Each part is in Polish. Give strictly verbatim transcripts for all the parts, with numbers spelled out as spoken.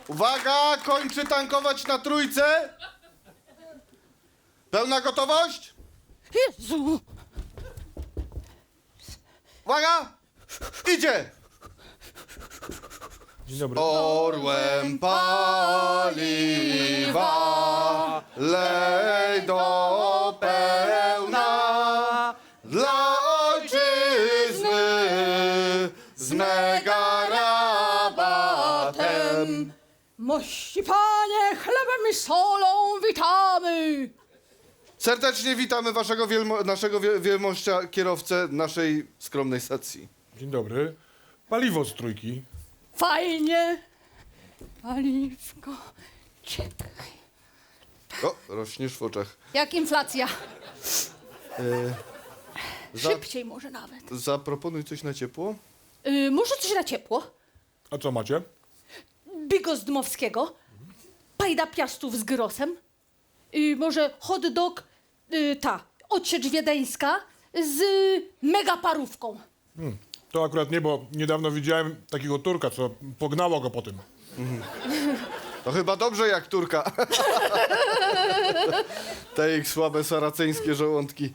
Uwaga, kończy tankować na trójce. Pełna gotowość? Jezu! Uwaga! Idzie! Dzień dobry. Orłem paliwa lej do pełna dla ojczyzny z mega rabatem. Mości panie, chlebem i solą witamy! Serdecznie witamy waszego wielmo naszego wie wielmościa kierowcę naszej skromnej stacji. Dzień dobry. Paliwo z trójki. Fajnie! Paliwko, czekaj. O, rośniesz w oczach. Jak inflacja? Za Szybciej może nawet. zaproponuj coś na ciepło. Y, może coś na ciepło? A co macie? Bigos Dmowskiego, pajda piastów z grosem, y, może hot dog, y, ta, odsiecz wiedeńska z mega parówką. Hmm. To akurat nie, bo niedawno widziałem takiego Turka, co pognało go po tym. To chyba dobrze jak Turka. Te ich słabe saraceńskie żołądki.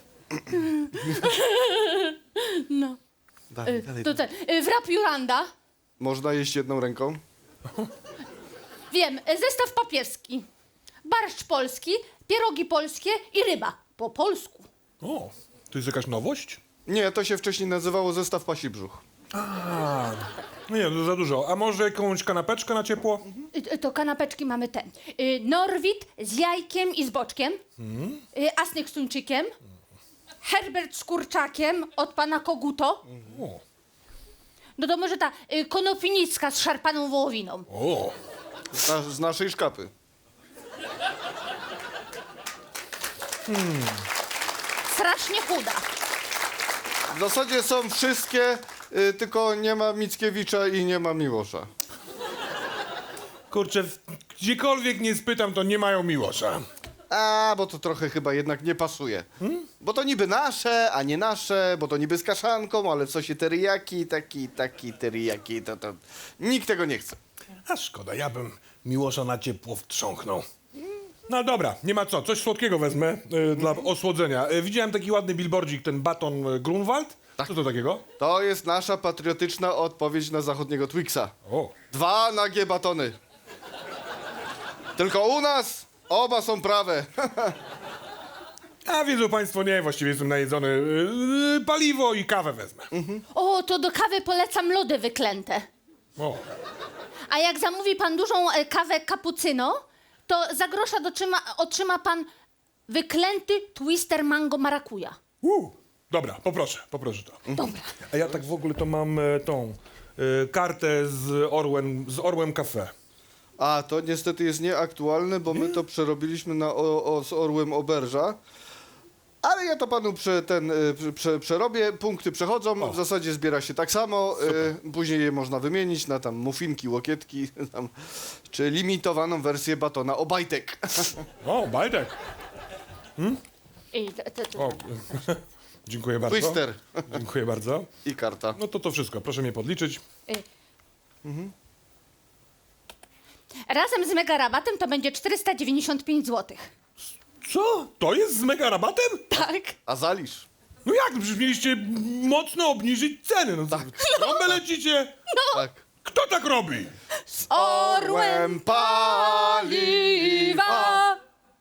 No. Dalej, Y, dalej. to ten, y, wrap Juranda, Można jeść jedną ręką? wiem, y, zestaw papieski, barszcz polski, pierogi polskie i ryba po polsku. O, to jest jakaś nowość? Nie, to się wcześniej nazywało zestaw pasi brzuch. No nie, to za dużo. A może jakąś kanapeczkę na ciepło? Y, y, to kanapeczki mamy ten, y, Norwid z jajkiem i z boczkiem, y, Asnyk z tuńczykiem, Herbert z kurczakiem od pana Koguto. O, No to może ta y, konopinicka z szarpaną wołowiną. o. Z, na z naszej szkapy. Strasznie chuda. W zasadzie są wszystkie, y, tylko nie ma Mickiewicza i nie ma Miłosza. Kurczę, w- gdziekolwiek nie spytam, to nie mają Miłosza. A, bo to trochę chyba jednak nie pasuje. Bo to niby nasze, a nie nasze, bo to niby z kaszanką, ale w sosie teriyaki, taki, taki teriyaki, to, to... Nikt tego nie chce. A szkoda, ja bym Miłosza na ciepło wtrząknął. No dobra, nie ma co, coś słodkiego wezmę y, dla osłodzenia. Y, widziałem taki ładny billboardzik, ten baton y, Grunwald. Co to takiego? To jest nasza patriotyczna odpowiedź na zachodniego Twixa. O, Dwa nagie batony. Tylko u nas oba są prawe. a wiedzą państwo, nie, właściwie jestem najedzony. Y, y, paliwo i kawę wezmę. O, to do kawy polecam lody wyklęte. O, A jak zamówi pan dużą e, kawę cappuccino, to za grosza dotrzyma, otrzyma pan wyklęty twister mango marakuja. uh, dobra, poproszę, poproszę to. Dobra. A ja tak w ogóle to mam e, tą e, kartę z Orłem, z Orłem Cafe. A, to niestety jest nieaktualne, bo my to przerobiliśmy na o, o, z orłem oberża. Ale ja to panu prze, ten, y, prze- prze, przerobię, punkty przechodzą, O. w zasadzie zbiera się tak samo, y, później je można wymienić na tam muffinki, łokietki, tam, czy limitowaną wersję batona Obajtek. O, Bajtek. I to, to, to. O, dziękuję bardzo. Twister Dziękuję bardzo. i karta. No to to wszystko, proszę mnie podliczyć. Razem z mega rabatem to będzie czterysta dziewięćdziesiąt pięć złotych. Co? To jest z mega rabatem? Tak. A zalisz? No jak? Przecież mieliście mocno obniżyć ceny. No, tak. Trąbę lecicie? Tak. Kto tak robi? Z orłem paliwa.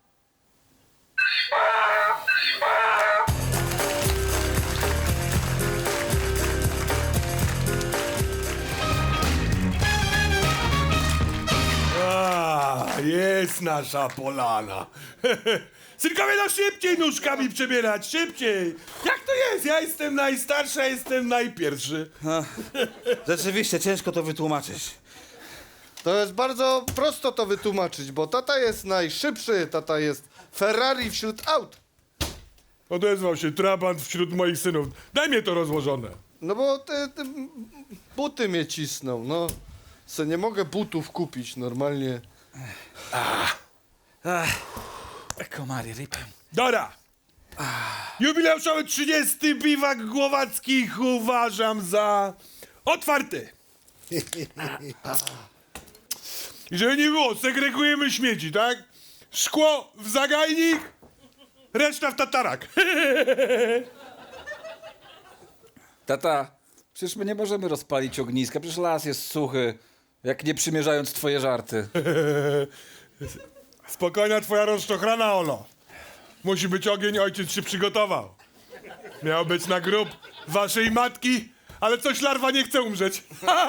A, jest nasza polana. Synkowie, no szybciej nóżkami przebierać, szybciej. Jak to jest? Ja jestem najstarszy, a jestem najpierwszy. Rzeczywiście, ciężko to wytłumaczyć. To jest bardzo prosto to wytłumaczyć, bo tata jest najszybszy, tata jest Ferrari wśród aut. Odezwał się trabant wśród moich synów. Daj mnie to rozłożone. No bo te, te buty mnie cisną, no. Se nie mogę butów kupić normalnie. Ach, komary rypem. Dora! Jubileuszowy trzydziesty biwak Głowackich uważam za otwarty. I żeby nie było, segregujemy śmieci, tak? Szkło w zagajnik, reszta w tatarak. Tata, przecież my nie możemy rozpalić ogniska, przecież las jest suchy, jak nie przymierzając twoje żarty. Spokojna twoja rozczochrana, Olo. Musi być ogień, ojciec się przygotował. Miał być na grób waszej matki, ale coś larwa nie chce umrzeć.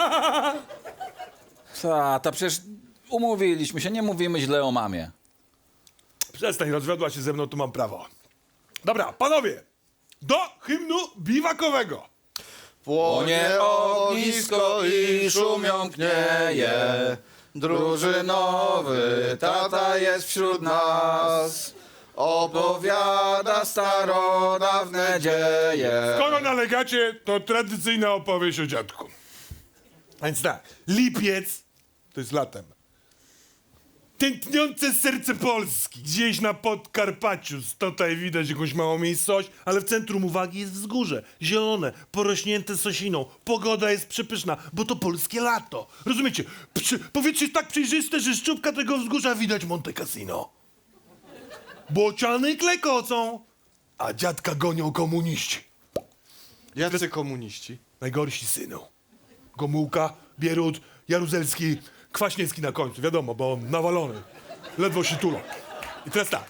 Tata, przecież umówiliśmy się, nie mówimy źle o mamie. Przestań, rozwiodła się ze mną, tu mam prawo. Dobra, panowie, do hymnu biwakowego. Płonie ognisko i szum jąknieje, drużynowy tata jest wśród nas. Opowiada starodawne dzieje. Skoro nalegacie, to tradycyjna opowieść o dziadku. A więc tak, lipiec to jest latem. Tętniące serce Polski, gdzieś na Podkarpaciu. Tutaj widać jakąś małą miejscowość, ale w centrum uwagi jest wzgórze. Zielone, porośnięte sosiną. Pogoda jest przepyszna, bo to polskie lato. Rozumiecie? Przy, powietrze jest tak przejrzyste, że z czubka tego wzgórza widać Monte Cassino. Bociany klekocą, a dziadka gonią komuniści. Jacy komuniści? Najgorsi synu. Gomułka, Bierut, Jaruzelski, Kwaśniewski na końcu, wiadomo, bo on nawalony. Ledwo się tulą. I teraz tak.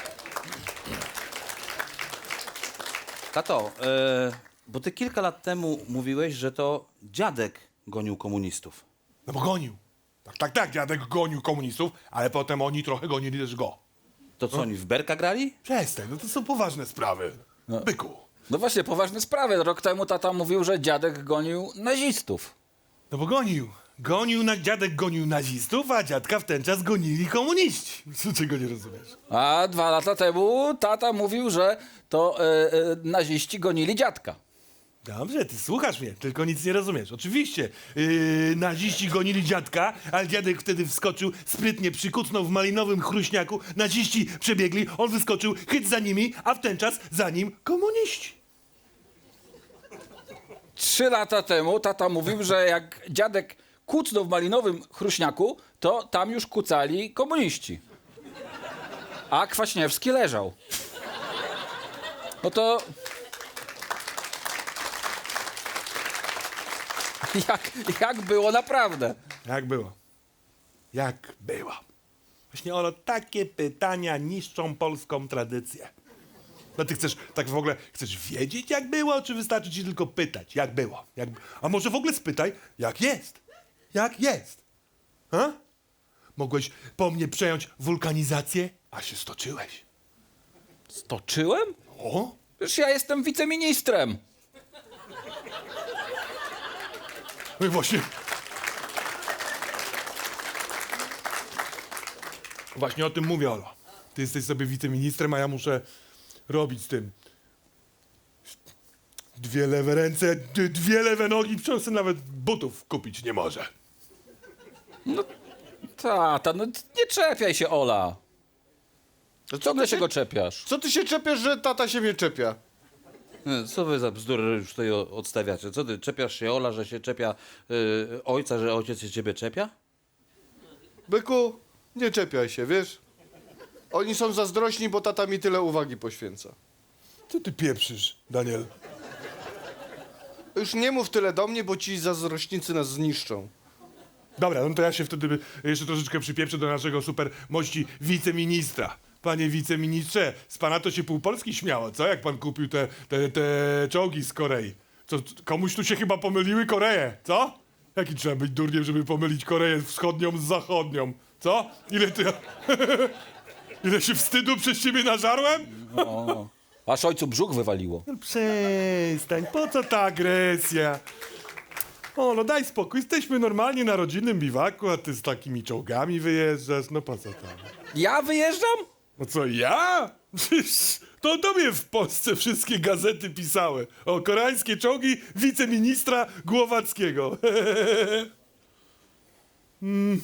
Tato, e, bo ty kilka lat temu mówiłeś, że to dziadek gonił komunistów. No bo gonił. Tak, tak, tak, dziadek gonił komunistów, ale potem oni trochę gonili też go. To co, oni w berka grali? Przestań, no to są poważne sprawy. Byku. No właśnie, poważne sprawy. Rok temu tata mówił, że dziadek gonił nazistów. No bo gonił. Gonił, na, dziadek gonił nazistów, a dziadka w ten czas gonili komuniści. Czego nie rozumiesz? A dwa lata temu tata mówił, że to e, e, naziści gonili dziadka. Dobrze, ty słuchasz mnie, tylko nic nie rozumiesz. Oczywiście, yy, naziści gonili dziadka, ale dziadek wtedy wskoczył, sprytnie przykucnął w malinowym chruśniaku, naziści przebiegli, on wyskoczył, chyt za nimi, a w ten czas za nim komuniści. Trzy lata temu tata mówił, że jak dziadek kucnął w malinowym chruśniaku, to tam już kucali komuniści. A Kwaśniewski leżał. No to... Jak, jak było naprawdę? Jak było? Jak było? Właśnie, Olo, takie pytania niszczą polską tradycję. No ty chcesz, tak w ogóle, chcesz wiedzieć jak było, czy wystarczy ci tylko pytać, jak było? Jak... A może w ogóle spytaj, jak jest? Jak jest? Ha? Mogłeś po mnie przejąć wulkanizację, a się stoczyłeś. Stoczyłem? O? Przecież ja jestem wiceministrem. No i właśnie. Właśnie o tym mówię, Olo. Ty jesteś sobie wiceministrem, a ja muszę robić z tym. Dwie lewe ręce, d- dwie lewe nogi, przecież sobie nawet butów kupić nie może. Tata, no nie czepiaj się, Ola. No co, Ciągle ty się się, go czepiasz. co ty się czepiasz, że tata się mnie czepia? E, Co wy za bzdury już tutaj o- odstawiacie? Co ty, czepiasz się Ola, że się czepia y, ojca, że ojciec się ciebie czepia? Byku, nie czepiaj się, wiesz? Oni są zazdrośni, bo tata mi tyle uwagi poświęca. Co ty pieprzysz, Daniel? Już nie mów tyle do mnie, bo ci zazdrośnicy nas zniszczą. Dobra, no to ja się wtedy jeszcze troszeczkę przypieprzę do naszego super mości wiceministra. Panie wiceministrze, z pana to się pół Polski śmiało, co? Jak pan kupił te, te, te czołgi z Korei. Co, komuś tu się chyba pomyliły Koreje, co? Jaki trzeba być durniem, żeby pomylić Koreę wschodnią z zachodnią, co? Ile ty... Ile się wstydu przez ciebie nażarłem? O, aż ojcu brzuch wywaliło. No przestań, po co ta agresja? O, no daj spokój, jesteśmy normalnie na rodzinnym biwaku, a ty z takimi czołgami wyjeżdżasz, no po co tam? Ja wyjeżdżam? No co, ja? Przecież to o tobie w Polsce wszystkie gazety pisały. O koreańskie czołgi wiceministra Głowackiego. mm.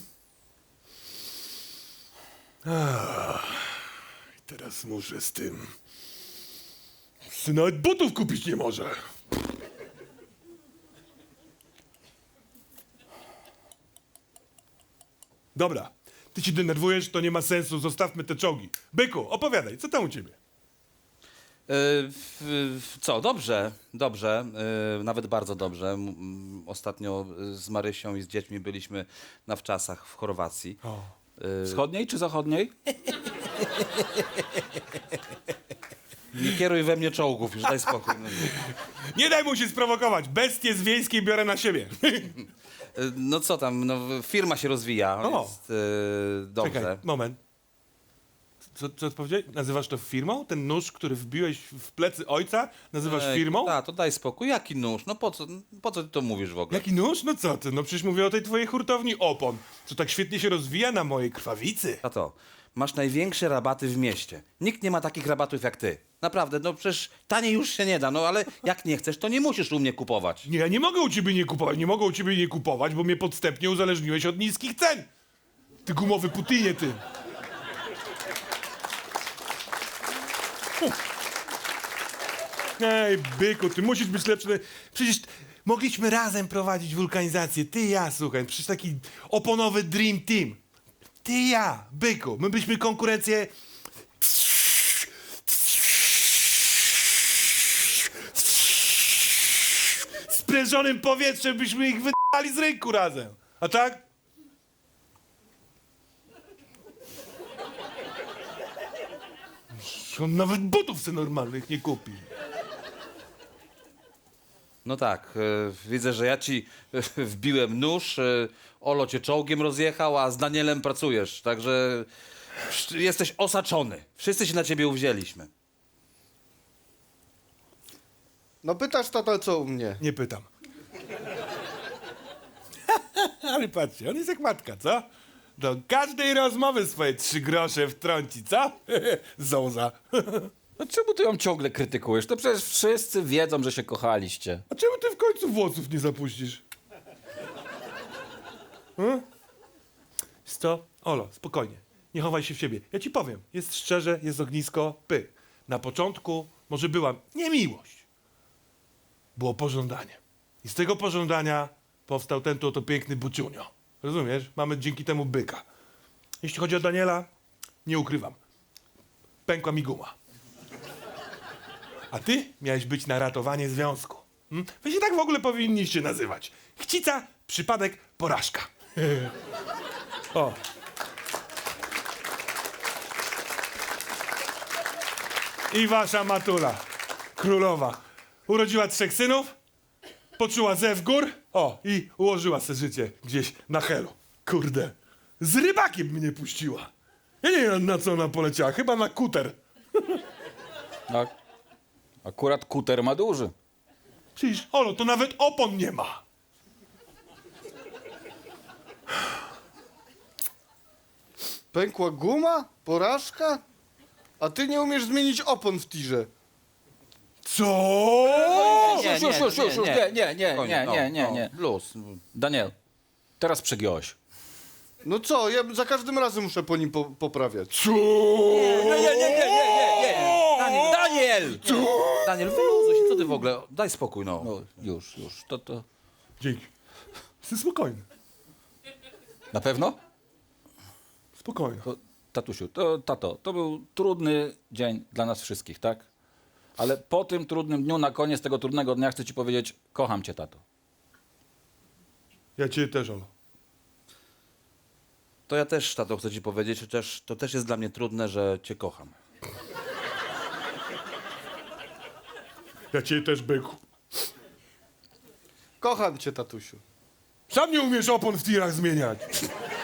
Ach, i teraz muszę z tym... Ty nawet butów kupić nie może. Dobra, ty się denerwujesz, to nie ma sensu, zostawmy te czołgi. Byku, opowiadaj, co tam u ciebie? E, w- w- co, dobrze, dobrze, e, nawet bardzo dobrze. M- m, Ostatnio z Marysią i z dziećmi byliśmy na wczasach w Chorwacji. O. Wschodniej czy zachodniej? Nie kieruj we mnie czołgów, już daj spokój. No, Nie daj mu się sprowokować, bestie z wiejskiej biorę na siebie. E, no co tam, no, firma się rozwija, O. jest e, dobrze. Czekaj, moment. Co, co powiedziałeś? Nazywasz to firmą? Ten nóż, który wbiłeś w plecy ojca, nazywasz Ej, firmą? Tak, to daj spokój. Jaki nóż? No po co, po co ty to mówisz w ogóle? Jaki nóż? No co ty? No przecież mówię o tej twojej hurtowni opon, co tak świetnie się rozwija na mojej krwawicy. Tato, masz największe rabaty w mieście. Nikt nie ma takich rabatów jak ty. Naprawdę, no przecież taniej już się nie da, no ale jak nie chcesz, to nie musisz u mnie kupować. Nie, ja nie mogę u ciebie nie kupować, nie mogę u ciebie nie kupować, bo mnie podstępnie uzależniłeś od niskich cen. Ty gumowy Putinie, ty. Ej, byku, ty musisz być lepszy. Przecież mogliśmy razem prowadzić wulkanizację. Ty i ja, słuchaj, przecież taki oponowy dream team. Ty i ja, byku, my byśmy konkurencję... Sprężonym powietrzem byśmy ich wydali z rynku razem. A tak? On nawet butów se normalnych nie kupi. No tak, e, widzę, że ja ci e, wbiłem nóż, e, Olo cię czołgiem rozjechał, a z Danielem pracujesz, także wsz- jesteś osaczony. Wszyscy się na ciebie uwzięliśmy. No pytasz, tato, co u mnie? Nie pytam. Ale patrzcie, on jest jak matka, co? Do każdej rozmowy swoje trzy grosze wtrąci, co? Zołza. No czemu ty ją ciągle krytykujesz? To przecież wszyscy wiedzą, że się kochaliście. A czemu ty w końcu włosów nie zapuścisz? Hmm? Jest to? Olo, spokojnie. Nie chowaj się w siebie. Ja ci powiem. Jest szczerze, jest ognisko, py. Na początku może była niemiłość. Było pożądanie. I z tego pożądania powstał ten tu oto piękny buciunio. Rozumiesz? Mamy dzięki temu byka. Jeśli chodzi o Daniela, nie ukrywam. Pękła mi guma. A ty miałeś być na ratowanie związku. Hmm? Wy się tak w ogóle powinniście nazywać. Chcica, przypadek, porażka. O. I wasza matula, królowa, urodziła trzech synów, poczuła zew gór, o, i ułożyła se życie gdzieś na helu. Kurde, z rybakiem mnie puściła. Ja nie wiem, na co ona poleciała, chyba na kuter. A, akurat kuter ma duży. Przecież, Olo, to nawet opon nie ma. Pękła guma? Porażka? A ty nie umiesz zmienić opon w tirze. Co? Nie, Już, już, już, już, już, nie, nie, nie, Spokojnie, nie, no, nie, nie, no, nie. Luz. Daniel, teraz przegiąłeś. No co, ja za każdym razem muszę po nim po poprawiać. Co? Nie, nie, nie, nie, nie, nie. Daniel, Daniel! Daniel, wyluzuj się, co ty w ogóle? Daj spokój, no. No już, już, to, to... Dzięki. Jestem spokojny. Na pewno? Spokojny. To, tatusiu, to, tato, to był trudny dzień dla nas wszystkich, tak? Ale po tym trudnym dniu, na koniec tego trudnego dnia chcę ci powiedzieć, kocham cię, tato. Ja cię też, Olo. To ja też, tato, chcę ci powiedzieć, że też, to też jest dla mnie trudne, że cię kocham. Ja cię też, byku. Kocham cię, tatusiu. Sam nie umiesz opon w tirach zmieniać.